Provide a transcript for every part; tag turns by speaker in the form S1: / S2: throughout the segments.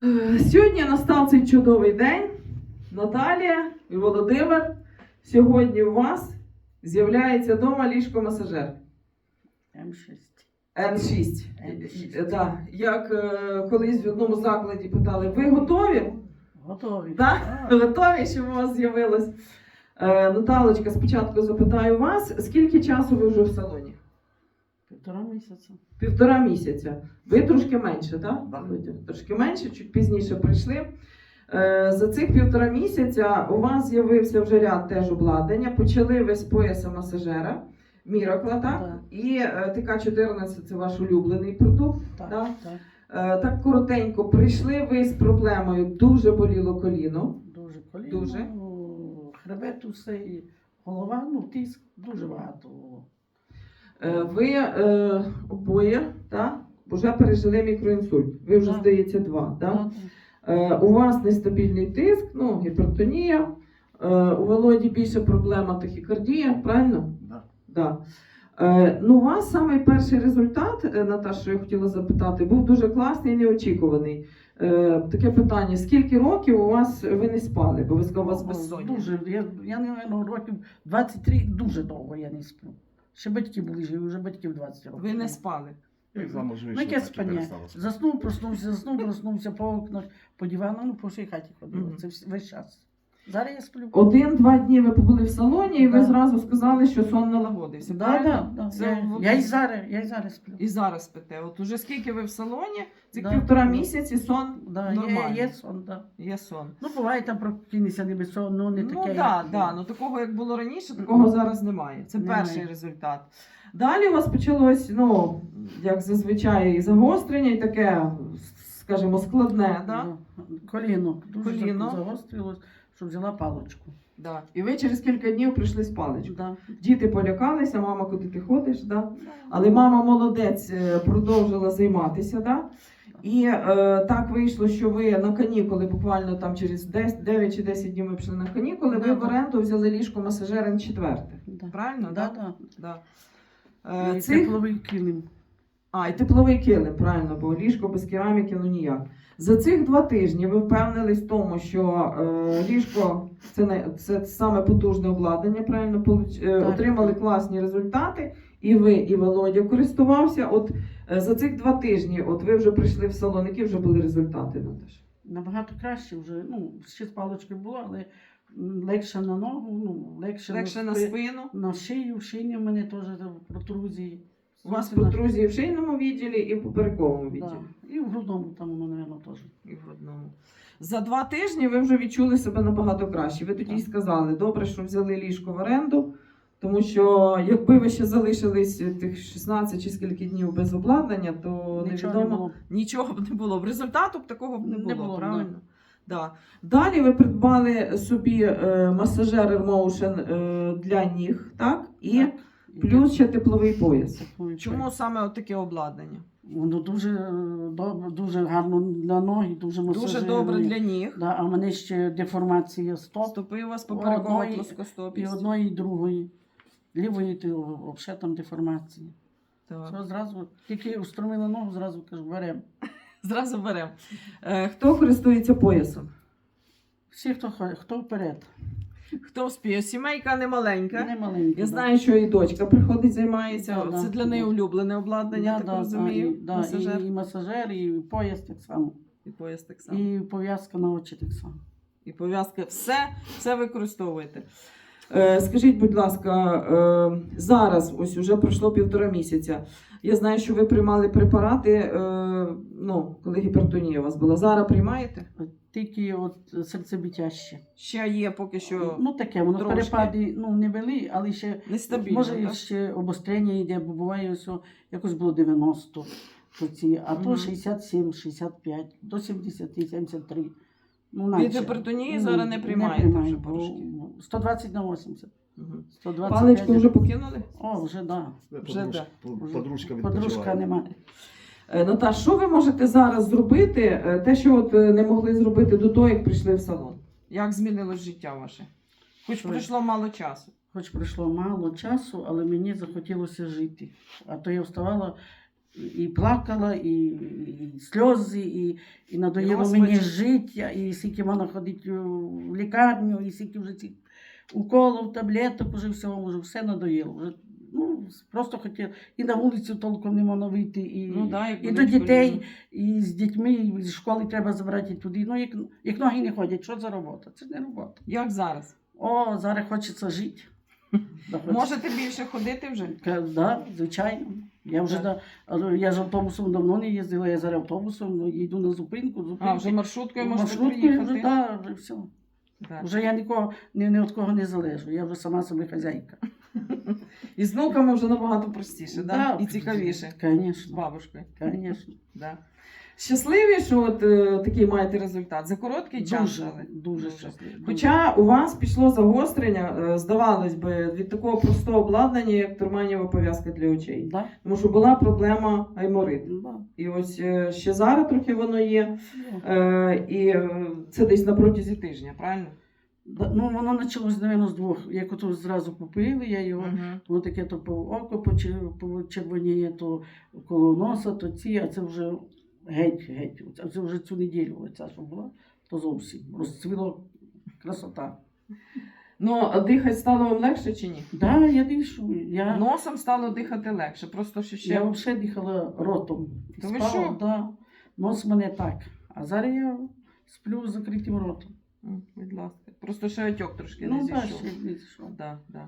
S1: Сьогодні настав цей чудовий день. Наталія і Володимир, сьогодні у вас з'являється вдома ліжко-масажер.
S2: М6.
S1: N6.
S2: N6.
S1: Да. Як колись в одному закладі питали, ви готові?
S2: Готові.
S1: Так? Готові, щоб у вас з'явилось? Наталочка, спочатку запитаю вас, скільки часу ви вже в салоні?
S2: 1,5 місяця.
S1: 1,5 місяця. Ви трошки менше, так?
S2: Да.
S1: Трошки менше, чуть пізніше прийшли. За цих 1,5 місяця у вас з'явився вже ряд теж обладнання. Почали ви з пояса масажера, Міракла, так?
S2: Да.
S1: І ТК-14 – це ваш улюблений продукт.
S2: Так,
S1: Да?
S2: так.
S1: Так коротенько, прийшли ви з проблемою, дуже боліло коліно.
S2: Дуже коліно,
S1: Дуже.
S2: Хребет усе і голова, тиск, дуже багато було.
S1: Ви обоє, так? Вже пережили мікроінсульт. Ви вже,
S2: Да.
S1: здається, 2, так?
S2: Да.
S1: У вас нестабільний тиск, гіпертонія. У Володі більше проблема тахікардія, правильно?
S2: Да.
S1: Да. У вас самий перший результат, Наташа, що я хотіла запитати, був дуже класний і неочікуваний. Таке питання, скільки років у вас ви не спали, бо ви сказали, у вас безсоння?
S2: Дуже. Я не років 23, дуже довго я не сплю. Ще батьки були живі, вже батьків 20 років.
S1: Ви не спали?
S3: Як замуж
S2: Ну,
S3: вийшла,
S2: яке
S3: так і
S2: спання?
S3: перестала спати.
S2: Заснув, проснувся по окнах, по дивану, по всій хаті ходив.
S1: Мгм.
S2: Це весь час. Зараз я сплю.
S1: 1-2 дні ви побули в салоні і ви
S2: Да.
S1: зразу сказали, що сон налагодився, правильно?
S2: Да.
S1: Це
S2: Я і зараз сплю.
S1: І зараз спите. От уже скільки ви в салоні, цих
S2: Да.
S1: 1,5 місяці сон
S2: Да,
S1: нормальний.
S2: є сон, да.
S1: Є сон.
S2: Буває там прокинеться не без сон, не таке.
S1: Ну такого як було раніше, такого зараз немає. Це
S2: Немає.
S1: перший результат. Далі у вас почалось, як зазвичай, і загострення, і таке, скажімо, складне, да?
S2: Коліно. Дуже
S1: Коліно.
S2: загострилось, що взяла паличку.
S1: Да. І ви через кілька днів прийшли з паличкою.
S2: Да.
S1: Діти полякалися, мама, куди ти ходиш, да? Але мама молодець, продовжила займатися, да? І так вийшло, що ви на канікули, буквально там через 9 чи 10 днів ми пішли на канікули, ви
S2: Да,
S1: в оренду взяли ліжко-масажер Н4.
S2: Да.
S1: Правильно?
S2: Да.
S1: Да.
S2: І
S1: Цих...
S2: тепловий килим.
S1: І тепловий килим, правильно, бо ліжко без кераміки, ніяк. За цих 2 тижні ви впевнились в тому, що ліжко це саме потужне обладнання, правильно, отримали класні результати, і ви, і Володя користувався. От за цих 2 тижні, от ви вже прийшли в салон, які вже були результати, Наташа?
S2: Набагато краще вже, ще з паличкою було, але легше на ногу, легше
S1: на спину.
S2: На шию, в шиї в мене теж протрузії.
S1: У вас протрузії в шийному відділі і в поперековому відділі.
S2: Да. І в грудному там воно, мабуть, теж.
S1: І в грудному. За 2 тижні ви вже відчули себе набагато краще. Ви тоді й сказали, добре, що взяли ліжко в оренду, тому що якби ви ще залишились тих 16 чи скільки днів без обладнання, то невідомо, нічого б не було. В результату б такого б не було, правильно? Да. Далі ви придбали собі масажер Airmotion для ніг, так? І
S2: Так.
S1: плюс ще тепловий пояс.
S2: Тепловий
S1: Чому
S2: пояс.
S1: саме таке обладнання?
S2: Воно дуже добре, дуже гарно для ноги, дуже масажирує.
S1: Дуже добре для ніг.
S2: Да, а в мене ще деформація стоп.
S1: Стопи у вас поперекова
S2: І
S1: плоскостопість.
S2: одної, і другої. Лівої, то взагалі там деформація.
S1: Так.
S2: Це зразу, тільки устромила ногу, зразу кажу, беремо.
S1: Зразу беремо. Хто користується поясом?
S2: Всі, хто вперед.
S1: Хто вспіє? Сімейка не маленька.
S2: Не маленькі.
S1: Я знаю, що і дочка приходить, займається.
S2: Да,
S1: Це для неї улюблене обладнання, так розумію. Масажер.
S2: І масажер, і пояс так само.
S1: І пояс так само.
S2: І пов'язка на очі так само.
S1: І пов'язки. Все використовуєте. Скажіть, будь ласка, зараз, ось уже пройшло 1,5 місяця. Я знаю, що ви приймали препарати, коли гіпертонія у вас була. Зараз приймаєте?
S2: Тільки от серцебиття ще.
S1: Ще є поки що
S2: Таке, воно
S1: трошки.
S2: перепади не вели, але ще
S1: нестабільно.
S2: може
S1: так?
S2: ще обострення йде, бо буває все, якось було 90, а то
S1: Мгм.
S2: 67, 65, до 70, 73.
S1: Від гіпертонії зараз не приймаєте вже порошки?
S2: 120 на 80.
S1: Мгм.
S2: 125.
S1: Паличку вже покинули?
S2: О, вже да.
S1: Вже да.
S3: Подружка
S2: Подружка
S3: відпочиває.
S2: нема.
S1: Наташ, що ви можете зараз зробити, те, що не могли зробити до того, як прийшли в салон? Як змінилось життя ваше? Хоч
S2: Що?
S1: пройшло мало часу.
S2: Хоч пройшло мало часу, але мені захотілося жити. А то я вставала і плакала, і сльози, і надоїло
S1: Господи.
S2: мені життя, і скільки можна ходити в лікарню, і скільки вже цих уколів, таблеток, вже всього, вже все надоїло. Вже, ну, просто хотіла. І на вулицю толком не можна вийти, і,
S1: Ну, да, як
S2: і до
S1: болить
S2: дітей,
S1: коліно.
S2: і з дітьми, і з школи треба забрати туди. Ну, як ноги не ходять, що за робота? Це ж не робота.
S1: Як зараз?
S2: О, зараз хочеться жити. Да, хочеться.
S1: Можете більше ходити вже?
S2: Да, звичайно. Я вже
S1: Так.
S2: я ж автобусом давно не їздила, я зараз автобусом їду на зупинку.
S1: А, вже маршруткою можете
S2: маршруткою
S1: приїхати?
S2: вже, да, вже все.
S1: Так.
S2: Вже я нікого, ні від кого не залежу, я вже сама собі хазяйка.
S1: І з внуками вже набагато простіше, да? І цікавіше. З
S2: Звісно,
S1: бабушкою.
S2: звісно.
S1: Да. Щасливі, що от такий маєте результат? За короткий час?
S2: Дуже,
S1: але?
S2: дуже щасливо.
S1: Хоча у вас пішло загострення, здавалось би, від такого простого обладнання, як турманієва пов'язка для очей.
S2: Да?
S1: Тому що була проблема гаймориту.
S2: Да.
S1: І ось ще зараз трохи воно є.
S2: Да.
S1: І це десь на протязі тижня, правильно?
S2: Да, ну, воно почалось, мабуть, з двох. Як ото зразу попили, я його,
S1: Мгм.
S2: воно таке то по око почервоніє, то коло носа, то ці, а це вже геть. А це вже цю неділю, оця, що була, то зовсім розцвіло красота.
S1: Ну, а дихати стало вам легше чи ні?
S2: Да, я дишу. Я
S1: Носом стало дихати легше, просто що ще.
S2: взагалі дихала ротом.
S1: То ви
S2: Спала,
S1: що?
S2: да. Нос в мене так. А зараз я сплю з закритим ротом.
S1: Будь ласка. Просто ще отек трошки не
S2: Ну, так,
S1: зійшов.
S2: ще не зійшов.
S1: Да, да.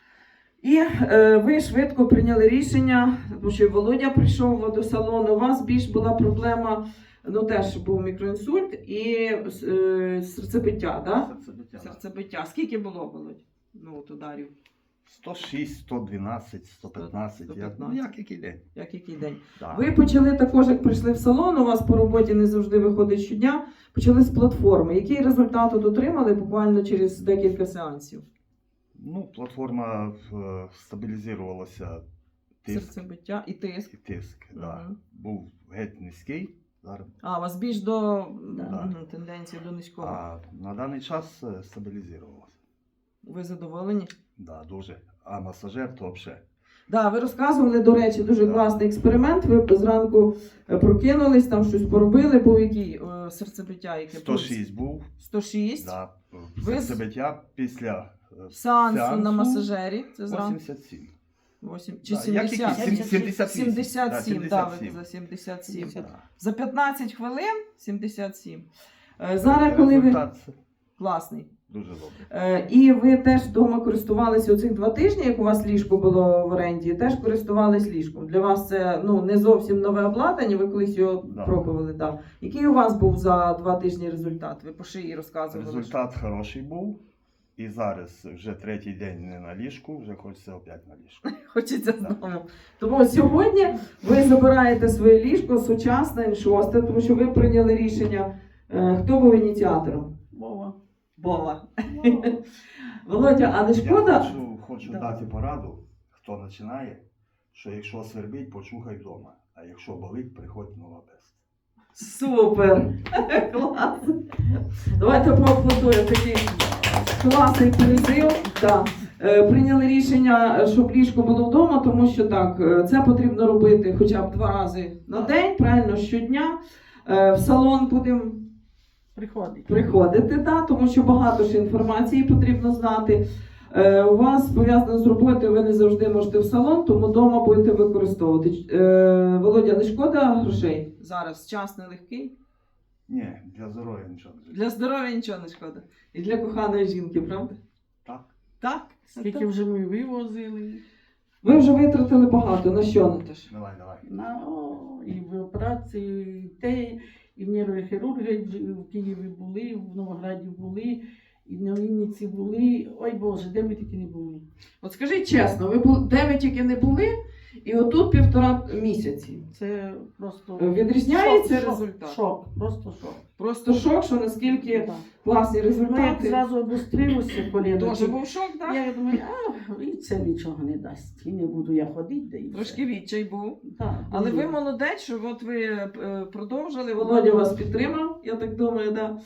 S1: І ви швидко прийняли рішення, тому що Володя прийшов до салону. У вас більш була проблема, ну теж був мікроінсульт і серцебиття, да?
S3: Серцебиття.
S1: Серцебиття. Скільки було, Володь? Ну, от ударів,
S3: 106, 112, 115,
S1: 115.
S3: як який день.
S1: як який день.
S3: Да.
S1: Ви почали також, як прийшли в салон, у вас по роботі не завжди виходить щодня, почали з платформи. Який результат от отримали буквально через декілька сеансів?
S3: Ну, платформа стабілізувалася, тиск
S1: Серцебиття і тиск.
S3: і тиск. Да.
S1: Мгм.
S3: Був геть низький, зараз.
S1: А, у вас більш до
S3: Да.
S1: тенденції до низького.
S3: А на даний час стабілізувалося.
S1: Ви задоволені?
S3: Да, дуже. А масажер то взагалі.
S1: Да, ви розказували, до речі, дуже
S3: Да.
S1: класний експеримент. Ви зранку прокинулись, там щось поробили, був який серцебиття, яке
S3: 106 був.
S1: 106.
S3: Да.
S1: Ви
S3: Серцебиття після
S1: Сеансу на масажері. Це зранку
S3: 87.
S1: 8 чи
S3: Да, як
S1: 70?
S3: який? 77.
S1: 77,
S3: Да,
S1: да, ви
S3: 77.
S1: за 77.
S3: Да.
S1: За 15 хвилин 77. Зараз, коли ви...
S3: Результат
S1: Класний.
S3: дуже добрий.
S1: І ви теж вдома користувалися оцих 2 тижні, як у вас ліжко було в оренді, теж користувались ліжком. Для вас це не зовсім нове обладнання, ви колись його
S3: Да.
S1: пробували. Да. Який у вас був за 2 тижні результат? Ви по шиї розказували.
S3: Результат хороший був. І зараз вже третій день не на ліжку, вже хочеться опять на ліжку.
S1: Хочеться знову. Тому сьогодні ви забираєте своє ліжко сучасне, N6, тому що ви прийняли рішення. Хто був ініціатором?
S2: Вова.
S1: Вова.
S2: Вова.
S1: Володя, а не шкода?
S3: Я хочу
S1: Да.
S3: дати пораду, хто починає, що якщо свербить, почухай вдома, а якщо болить, приходь на лабест.
S1: Супер! Клас! Давайте поаплодуємо такий класний призив. Да. Прийняли рішення, щоб ліжко було вдома, тому що так, це потрібно робити хоча б 2 рази на день, правильно, щодня. В салон будемо приходити, да, тому що багато ж інформації потрібно знати. У вас пов'язано з роботою, ви не завжди можете в салон, тому вдома будете використовувати. Володя, не шкода грошей? Зараз час нелегкий.
S3: Ні, для здоров'я нічого не
S1: Для здоров'я нічого не шкода. І для коханої жінки, правда?
S3: Так.
S1: Так.
S2: Скільки вже ми вивозили.
S1: Ви вже витратили багато. На що, Наташ?
S3: Давай.
S2: І в операції, і те, і в нейрохірурги в Києві були, в Новограді були, і на Вінниці були. Ой Боже, де ми тільки не були.
S1: От скажіть чесно, ви де ви тільки не були, і отут 1,5 місяці.
S2: Це просто
S1: Відрізняється
S2: шок,
S1: результат?
S2: Шок, просто шок.
S1: Просто шок, що наскільки
S2: Да.
S1: класні
S2: Ну, як
S1: результати.
S2: зразу обострилося коліно.
S1: Тоже був шок, так?
S2: Я думаю, і це нічого не дасть. І не буду я ходити, де і
S1: Трошки відчай був.
S2: Так,
S1: Але
S2: дуже.
S1: ви молодець, що от ви продовжили, Володя вас підтримав, я так думаю, да.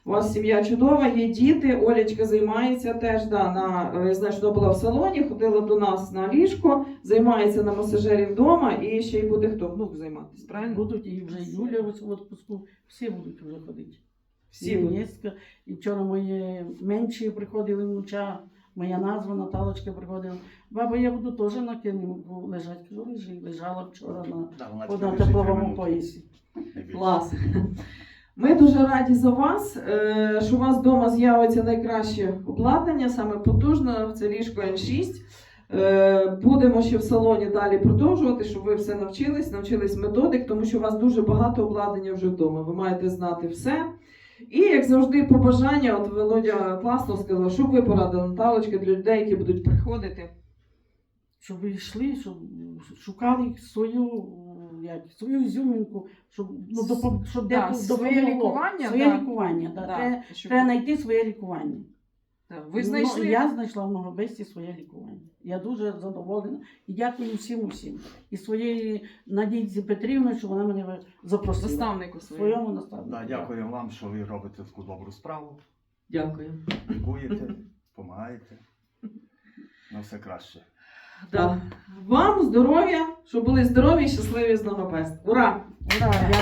S1: У вас сім'я чудова, є діти. Олечка займається теж. Я знаю, що вона була в салоні, ходила до нас на ліжко, займається на масажері вдома і ще й буде хто? Внук займатися, правильно?
S2: Будуть і вже Юля ось в відпуску, всі будуть вже ходити.
S1: Всі будуть.
S2: Єнєська. І вчора мої менші приходили внуча, моя назва Наталочка приходила. Баба, я буду теж на килимку лежати. Кажу, лежала вчора
S3: Да, вона
S2: на
S3: тепер
S2: тепловому
S3: лежить
S2: поясі.
S3: не більше.
S1: Клас. Ми дуже раді за вас, що у вас вдома з'явиться найкраще обладнання, саме потужне, це ліжко N6. Будемо ще в салоні далі продовжувати, щоб ви все навчились методик, тому що у вас дуже багато обладнання вже вдома. Ви маєте знати все. І, як завжди, побажання, от Володя класно сказав, що б ви порадили, Наталочка, для людей, які будуть приходити.
S2: Щоб ви йшли, щоб шукали свою ізюминку, щоб
S1: Да,
S2: декому
S1: своє
S2: допомогло.
S1: лікування,
S2: Своє
S1: да.
S2: лікування, да.
S1: Да, щоб-
S2: Треба знайти своє лікування.
S1: Так, ви знайшли?
S2: Ну, я знайшла в Многобесті своє лікування. Я дуже задоволена і дякую всім. І своєї Надійці Петрівні, що вона мене запросила.
S1: Наставнику своєму.
S2: Своєму наставнику.
S3: Да, дякую вам, що ви робите таку добру справу.
S1: Дякую.
S3: Лікуєте, допомагаєте. На все краще.
S1: Да. Вам здоров'я, щоб були здорові і щасливі з Многобест. Ура!
S2: Ура!